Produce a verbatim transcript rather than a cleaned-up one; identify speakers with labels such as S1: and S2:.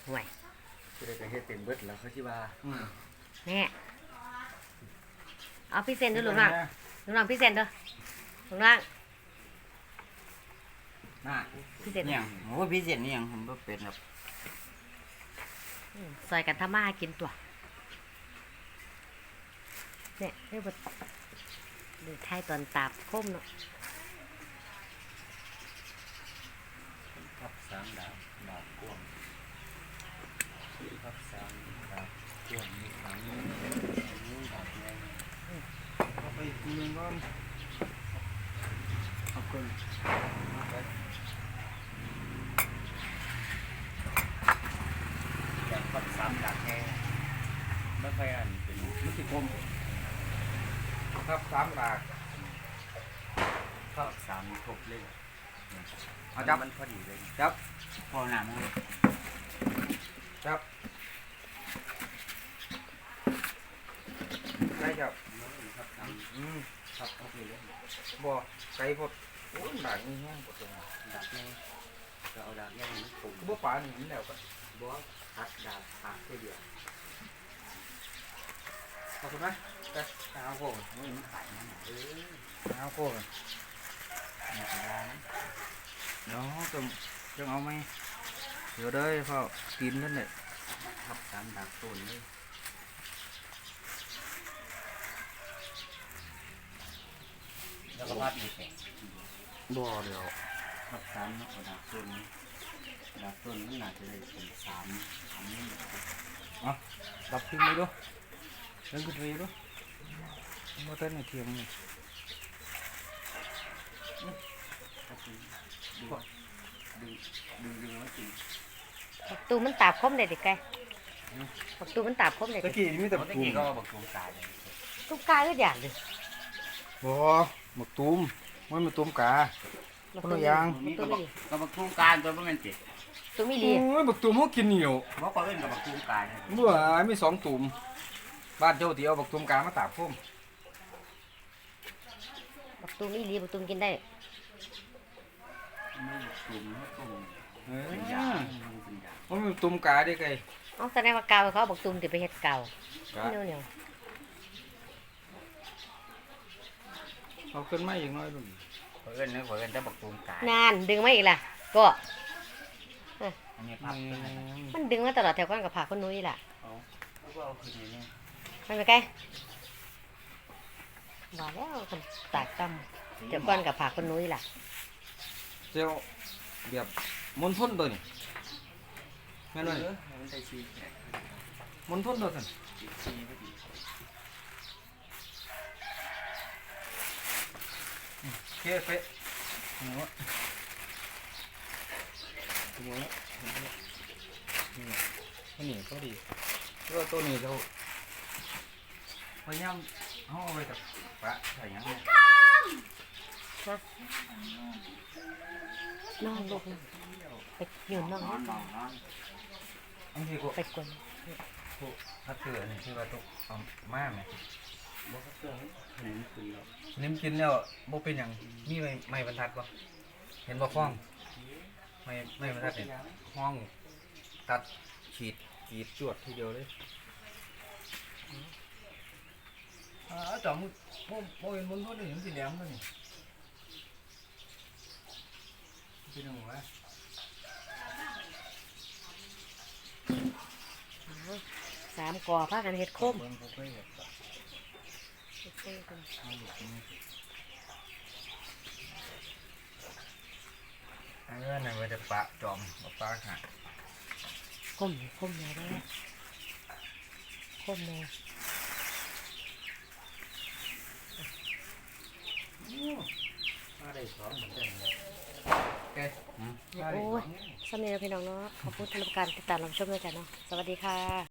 S1: ห่วย
S2: จะได้ไปเฮ็ดเป็นเบิดแล้วเขาที่ว่า
S1: แม่เอาพี่เซนดูหลวงหลังหลวงหลังพี่เซนดูหลวงหลัง
S3: น่า
S1: พี่เซน
S3: เนี่ยโอ้พี่เซนนี่ยังผมก็เป็นครับ
S1: ซอยกันทำมากินตัวเนี่ยเรียกว่าดูไทยตอนตาบคมเนาะ
S2: ทับสามดาวดาวกวงทับสามดาวกวงมีสามนิ้วดาวแดงเอาไปกินก่อนขอบคุณแบบทับสามดาวแดงไม่ค่อยอันเป็นมุติคมทับสามดาวทับสามครบเลยเอาจับมันพอดีเลยจับ
S3: พอหนามั้ง
S2: จับได้จับครับอืมครับโอเคเลยบ่ไก่พดโอ้ยดากนี่แห้งปวดตรงดากนี่ก็เอาดากนี่มันผมบ่ปลาหนีแล้วก็บ่ตัดดากตัดเดียวขอบคุณนะแต่เอาโค้งนี่มันขายนั่นเออเอาโค้งนี่ก็ได้เนาะต้องต้องเอาไหมเดี๋ยวได้พ่อกินนั่นแหละทับตามดักต้นเลยแล้วก็พัดอีกแข่งบ่เดี๋ยวทับสามเนาะดักต้นนี้ดักต้นนี่น่าจะได้เป็นสามสามนี่อ่ะดับขึ้นไปดูเดินขึ้นไปดูมาเต้นในเทียมนี่ดึงดึงดึงไว้กิน
S1: ปักตูมันตาบคมเลยดิแกปักตูมันตาบคมเลย
S2: ตะกี้มีแต่ตะกี้ก็บักตูมกาเลย
S1: ตุ้มกาก็อย่างเลย
S2: บ่บักตูมมันเป็นตูมกาคนละอย่าง
S3: ก็บักตูมการตัวมันติด
S1: ตุ้มมีลี
S2: โอ้ยบักตูมเขากินเหนียว
S3: เพราะเขาเล่นกับบักตูมการ
S2: เมื่อมีสองตูมบ้านเจ้าที่เอาบักตูมกามาตากพุ่ม
S1: ปักตูมีลีปักตูมกินได้
S3: ไม่ตุ่มไม่ตุ่ม
S2: เป็นยามันเป็นตุ่มกาได้ไง
S1: อ๋อแสดงว่าเกาเขาบอกตุ่มติไปเห็ดเกาเหนียวเหนียว
S2: เอาขึ้นมาอย่างน้อยดู
S3: เพื่อนนึกเพื่อนจะบักตุ่มกาน
S1: านดึงไม่อีกล่ะก็มันดึงมาตลอดแถวก้อนกับผ่าคนนุ้ยล่ะไม่ไปใกล้บอกแล้วคนตากตั้มแถวก้อนกับผ่าคนนุ้ยล่ะ
S2: เจ้าแบบมนทนตัวนี่แม่นเลยมนทนตัวสันเกะเป๊ะหัวหัวนี่นี่ก็ดีก็ตัวนี้เราพยายามเอาไว้กับปะใส่ยังไง
S1: นอนลูกไปอยู่นอน
S2: อันนี้ก็
S1: ไปกวน
S2: พัดเตือนที่ว่าตุกเอามาไหมบ่พัดเตือนนิ่มกินแล้วนิ่มกินแล้วบ่เป็นอย่างมีไม่ไม่บรรทัดบ่เห็นบ่ฟ้องไม่ไม่บรรทัดเนี่ยห้องตัดฉีดฉีดจวดทีเดียวเลยอ่าจ่อมือโมโมเห็นบนเขาเนี่ยมันสีแดงเลยเป็นยังไง
S1: สามกอพากันเห็ดคม
S2: อันนี้นั่นมันจะปะจอมปะขา
S1: คมคมเลยได้คมเลย
S2: มาได้สองเหมือนกัน
S1: โอ้ยสำเนียงพี่น้องเนาะขอบคุณทุกการติดตามรับชมด้วยกันเนาะสวัสดีค่ะ